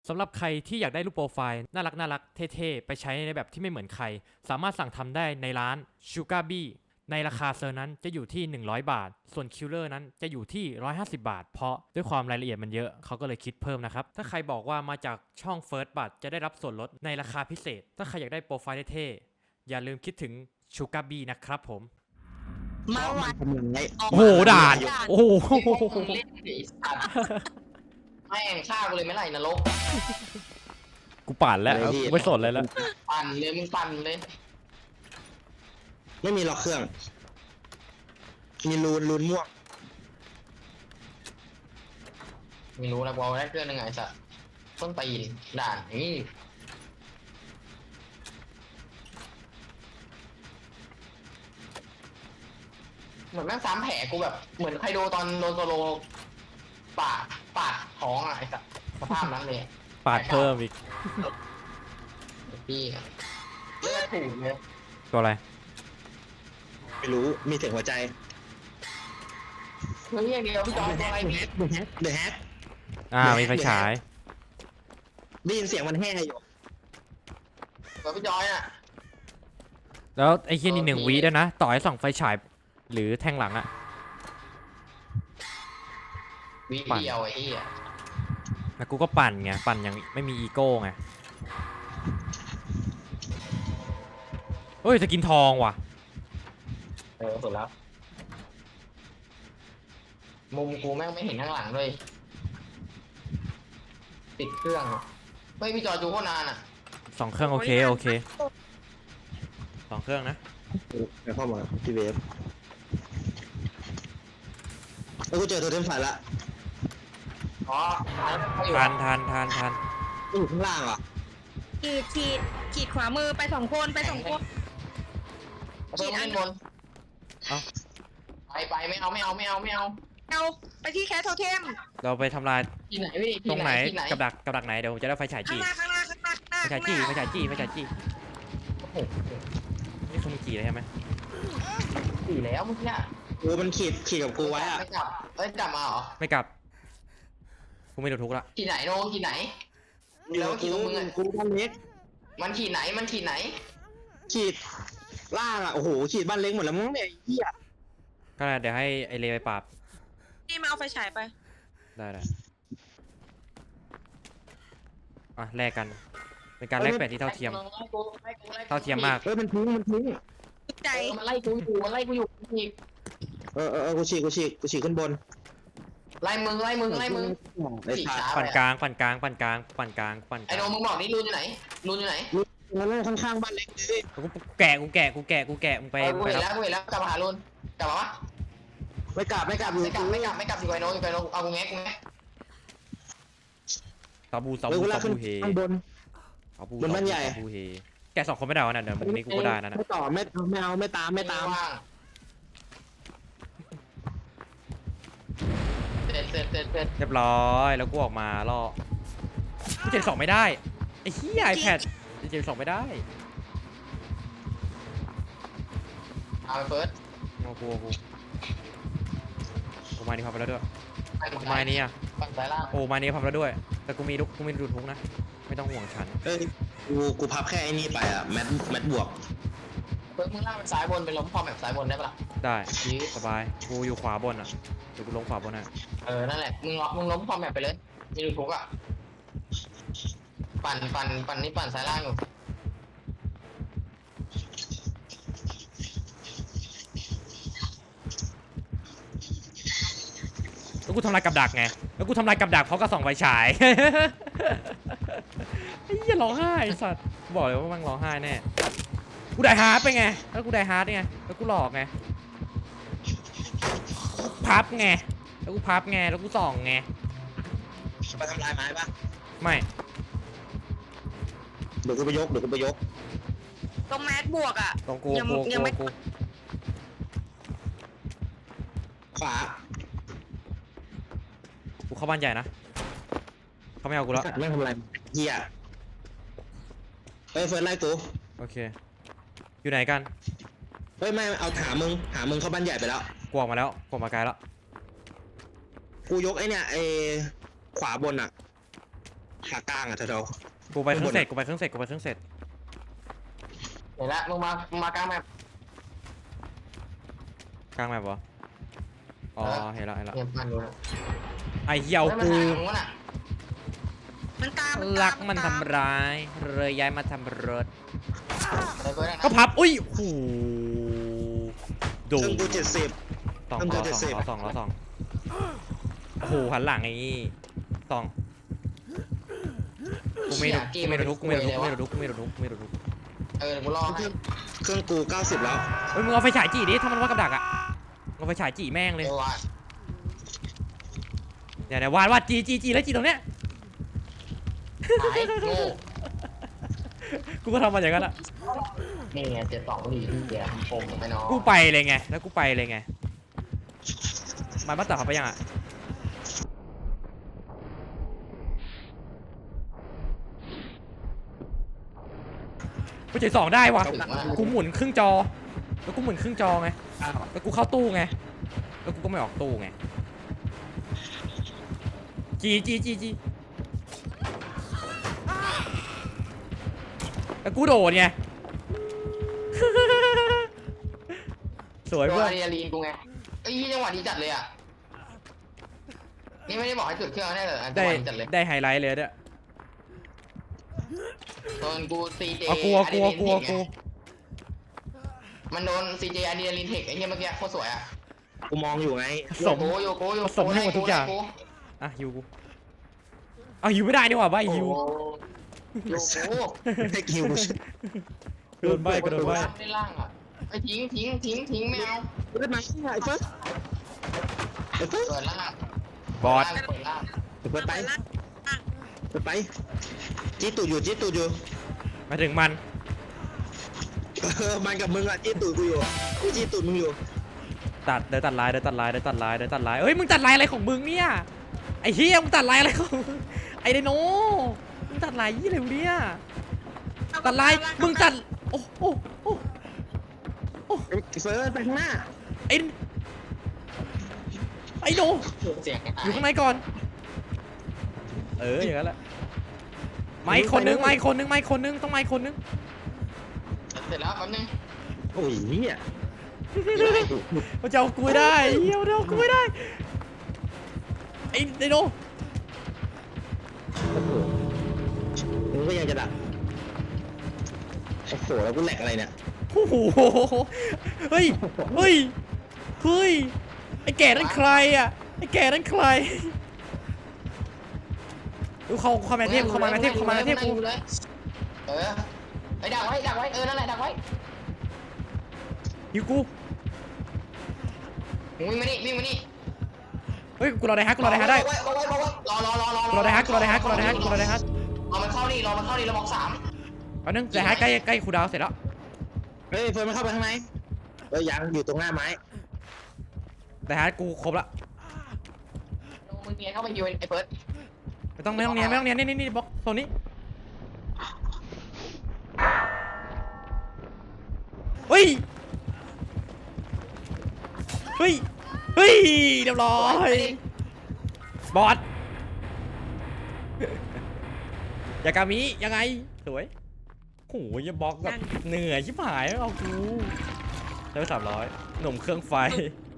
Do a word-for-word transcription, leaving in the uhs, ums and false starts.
สำหรับใครที่อยากได้รูปโปรไฟล์น่ารักน่ารักเท่ๆไปใช้ในแบบที่ไม่เหมือนใครสามารถสั่งทำได้ในร้าน Sugar Bee ในราคาเซอร์นั้นจะอยู่ที่หนึ่งร้อยบาทส่วนคิลเลอร์นั้นจะอยู่ที่หนึ่งร้อยห้าสิบบาทเพราะด้วยความรายละเอียดมันเยอะเขาก็เลยคิดเพิ่มนะครับถ้าใครบอกว่ามาจากช่อง First บัตจะได้รับส่วนลดในราคาพิเศษถ้าใครอยากได้โปรไฟล์เท่ๆอย่าลืมคิดถึง Sugar Bee นะครับผมมาวัดโอ้โหด่านโอ้โหเล่นไอ้สัตว์แม่งฆ่ากูเลยไม่ไรนรกกูปั่นแล้วกูไม่สนเลยแล้วปั่นเลยมึงปั่นเลยไม่มีล็อกเครื่อง มีรูนรูนม่วงไม่รู้นะกูเอาได้เครื่องยังไงสัตว์ต้นตีนด่านนี่เหมือนแม่งซ้ำแผลกูแบบเหมือนใครโดนตอนโดนโซโลปาดปาดท้องอะไอ้สัตว์สภาพนั้นเลยปาดเพิ่มอีกพี่เลือดถูกเลยตัวอะไรไม่รู้ มีเสียงหัวใจเฮ้ยอย่างเดียวพี่จอยตัวอะไรพี่เดอะแฮกอ่ามีไฟฉายได้ยินเสียงมันแห่อยู่ตัวพี่จอยอ่ะแล้วไอ้เฮียนี่หนึ่งโอเควิด้วยนะ ต่อให้ส่องไฟฉายหรือแทงหลังอะวิปั่นเดียวไอ้ที่อ่ะแล้วกูก็ปั่นไง ปั่นยังไม่มีอีโก้ไงเฮ้ยสกินทองว่ะเออสุดแล้ว มุมกูแม่งไม่เห็นข้างหลังด้วยติดเครื่องอะไม่พี่จอยดูโคตรนานอ่ะสองเครื่องโอเคโอเคสองเครื่องนะไปเข้ามาที่เวฟแล้วกูเจอโทเทมไฟละอ๋อเขาอยู่ทานทานทานทานอยู่ข้างล่างอ่ะขีดขีดขีดขวามือไปสองคนไปสองคนเขาเพิ่มเล่นบนไปไปไม่เอาไม่เอาไม่เอาไม่เอาเอาไปที่แคทโทเทมเราไปทำลายที่ไหนพี่ตรงไหนที่ไหนกับดักกับดักไหนเดี๋ยวผมจะได้ไฟฉายข้างจี้หน้าข้างหน้าข้างหน้าข้างหน้าไฟฉายจี้ไฟฉายจี้ไฟฉายจี้โอ้โหนี่คือมึงจี้เลยใช่ไหมสี่แล้วเมื่อกี้กูมันขีดขีดกับกูไว้อ่ะไม่กลับเอ้ยกลับมาเหรอไม่กลับกูไม่โดนทุกละที่ไหนโนที่ไหนอยู่กับกูกูบ้านเล็กมันขีดไหนมันขีดไหนขีดล่างอ่ะ โอ้โห ขีดบ้านเล็กหมดแล้วมั้งเนี่ยไอ้เหี้ยก็ได้เดี๋ยวให้ไอเลไปปราบนี่มาเอาไฟฉายไปได้ได้อ่ะแลกกันเป็นการแลกเปลี่ยนที่เท่าเทียม เท่าเทียมมากเฮ้ยมันทิ้งมันทิ้งใจเออมันไล่กูอยู่มันไล่กูอยู่อีกเออเออเออกูฉีกกูฉีกกูฉีกขึ้นบนไล่มึงไล่มึงไล่มึงไอ้สัตว์ปั่นกลางปั่นกลางปั่นกลางปั่นกลางปั่นกไอ้ลางโนมึงบอกนี่รูนอยู่ไหนรูนอยู่ไหนมันนั่งข้างๆบ้านเล็กเลยกูแกะกูแกะกูแกะกูแกะมึงไปเออกูไปเห็นแล้แล้ว วกูเห็นแล้วกลับมาหารูนกลับมาวะไม่กลับไม่กลับอยู่ไม่กลับไม่กลับไม่กลับอยู่ไอ้โนอยู่ไอ้โนเอากูแงะกูแงะซาบูซาเฮ้ยบูกูลาซากขึ้นบูเฮข้างบนซาบูบนบ้านใหญ่ซาบูเฮแกะสองคนไม่ได้วะน่ะเดี๋ยวมึงนี้กูก็ได้นะน่ะไม่ต่อไม่ไม่เอาไม่ตามไม่ตามว่างเสร็จเสร็จเสร็จเสร็จเรียบร้อยแล้วกูออกมาล่อกูเจ็ดสองไม่ได้ไอ้เหี้ยไอแพดเจ็ดสองไม่ได้เอาไปเฟิร์สโอ้กูกูกูมานี่พับไปแล้วด้วยไปหมดกูมานี่อ่ะฝั่งซ้ายล่างโอ้มานี่พับแล้วด้วย แต่กูมีลูกกูมีดูดทุกนะไม่ต้องห่วงฉันเอ้ยกูกูพับแค่ไอ้นี่ไปอ่ะแมทแมทบวกเฟิร์สมึงล่างเป็นซ้ายบนเป็นล้มพอแบบซ้ายบนได้ปะล่ะได้ชี้สบายกูอยู่ขวาบนอ่ะเดี๋ยวกูลงขวาบนอ่ะเออนั่นแหละมึงล้อมึงล้มพอแบบไปเลยมีดูทุกอ่ะปั่นปั่นปั่นนี่ปั่นซ้ายล่างอยู่แล้วกูทำลายกับดักไงแล้วกูทำลายกับดักเพราะกระส่องไฟฉาย ไอ้เหี้ยร้องไห้ไอ้สัตว์กูบอกเลยว่ามันร้องไห้แน่กูได้ฮาร์ดไปไงแล้วกูได้ฮาร์ดไงแล้วกูหลอกไงพับไงแล้วกูพับไงแล้วกูส่องไงไปทำลายไม้ปะไม่เดี๋ยวกูไปยกเดี๋ยวกูไปยกตรงแมสบวกอ่ะตรงกูยังกูยักูงไม่กูขวากูเข้าบ้านใหญ่นะเขาไม่เอากูแล้วไม่ทำอะไรเหี้ยเฮ้ยเฟิร์สไล่กูโอเคอยู่ไหนกันเฮ้ยไม่เอาหามึงหามึงเข้าบ้านใหญ่ไปแล้วกูออกมาแล้วกูออกมาไกลแล้วกูยกไอ้เนี่ยไอ้ขวาบนอ่ะขากลางอ่ะเธอกูไปเครื่องเสร็จกูไปเครื่องเสร็จกูไปเครื่องเสร็จเห็นละมึงมามึงมากลางแมปกลางแมปวะอ๋อเห็นแล้วเห็นแล้วเนี่ยมันอยู่นะไอ้เหี้ยเอาเฮ้ยมันกูหามึงวะน่ะมันตามรักตามันตาทำร้ายเลยย้ายมาทำรถอะไรเพื่อนนะก็พับอุ้ยโอ้โหดูเครื่องกูเจ็ดสิบสองทำล้อเจ็ดสสิอบ งล้อสองล้อสองโอ้โหหันหลังไอ้นี่สองกูไม่รู้กูไม่รู้ทุกกูไม่รู้ทุกกูไม่รู้ทุกกูไม่รู้ทุกกูไม่รู้ทุกเออเดี๋ยวกูรอเคให้รื่องเครื่องกูเก้าสิบแล้วเฮ้ยมึงเอาไฟฉายจีดิถ้ามันว่ากับดักอะเอาไฟฉายจีแม่งเลยเดี๋ยวว่าเดี๋ยวเดี๋ยววาดวาดจีจีจีแล้วจีตรงเนี้ยหายโง่กูก็ทำมาอย่างนั้นอะนี่ไงเจ็ดสองดีเดี๋ยวผมไปน้องกูไปเลยไงแล้วกูไปเลยไงมันมาตัดเขาไปยังอะกูเจ็ดสองได้วะถึงว่ากูหมุนครึ่งจอ แล้วกูหมุนครึ่งจอไง แล้วกูเข้าตู้ไง แล้วกูก็ไม่ออกตู้ไง จีจีจีจีแล้วกูโดดไง สวยโดเพื่นอนอะดรีนาลีนกูไงไอ้ยจังหวะนี้จัดเลยอ่ะนี่ไม่ได้บอกให้จุดเครื่องแน่เลยจังได้หวะนี้จัดเลยได้ไฮไลท์เลยเนี่ยโดนกูซีเจเอากูเอากูเอากูเอากูมันโดนซีเจอะดรีนาลีนเทคไอ้เหี้ยเมื่อกี้โคตรสวยอ่ะกูมองอยู่ไงผสมโยโยโกโยผสมให้หมดทุกอย่างโอ่ะฮิวกู เอาฮิวไม่ได้นี่หว่าใบโอ้ฮิวโยโกให้คิวกูโดนใบก็โดนใบล่างได้ล่างอ่ะไอ้ทิ้งทิ้งทิ้งทิ้งไม่เอาเปิดไหมไอ้เฟิร์สไอ้เฟิร์สเปิดล่างบอสเปิดล่างเปิดไปเปิดไปจี้ตูดอยู่จี้ตูดอยู่มาถึงมันเออมันกับมึงอ่ะจี้ตูดกูอยู่กูจี้ตูดมึงอยู่ตัดเดินตัดลายเดินตัดลายเดินตัดลายเดินตัดลายเอ้ยมึงตัดลายอะไรของมึงเนี่ยไอ้เฮียมึงตัดลายอะไรของมึงไอ้ไดโนมึงตัดลายยี่อะไรวะเนี่ยตัดลายมึงตัดโอ้โอ้โอ้โอ้ไอ้เฟิร์สไปข้างหน้าไอ้ไอ้โนเสียงอยู่ข้างในก่อนเอออย่างนั้นแหละไม้คนนึงไม้คนนึงไม้คนนึงต้องไม้คนนึงเสร็จแล้วแป๊บนึงโอ้ยเหี้ยเขาจะเอากูไม่ได้เฮียเอากูไม่ได้ไอ้ไดโนมึงก็ยังจะดักโอ้โหแล้วกูแหลกอะไรเนี่ยโอ้โหเฮ้ยเฮ้ยเฮ้ยไอ้แก่นั่นใครอ่ะไอ้แก่นั่นใครดูเขาเข้ามาเทพเข้ามาเทพเข้ามาเทพกูเลยเออไอ้ดักไว้ดักไว้เออนั่นแหละดักไว้อยู่กูวิ่งมานี่วิ่งมานี่เฮ้ยกูรอได้ฮักกูรอได้ฮักได้รอรอรอรอรอรอรอกูรอได้ฮักกูรอได้ฮักกูรอได้ฮักกูรอได้ฮักรอมันเข้านี่รอมันเข้านี่แล้วบอกสามแป๊บนึงได้ฮักใกล้ใกล้คูดาวเสร็จแล้วเฮ้ยเฟิร์สมันเข้าไปข้างในเอ้ยยังอยู่ตรงหน้าไม้ได้ฮักกูครบละมึงเนียนเข้าไปยูไอ้เฟิร์สไม่ต้องไม่ต้องเนียนไม่ต้องเนียนนี่นี่นี่บล็อกโซนนี้เฮ้ยเฮ้ยเฮ้ยเรียบร้อยบอสยากามิยังไงสวยโอ้ยบล็อกแบบเหนื่อยชิบหายเอากูได้ไปสามร้อยหนุ่มเครื่องไฟ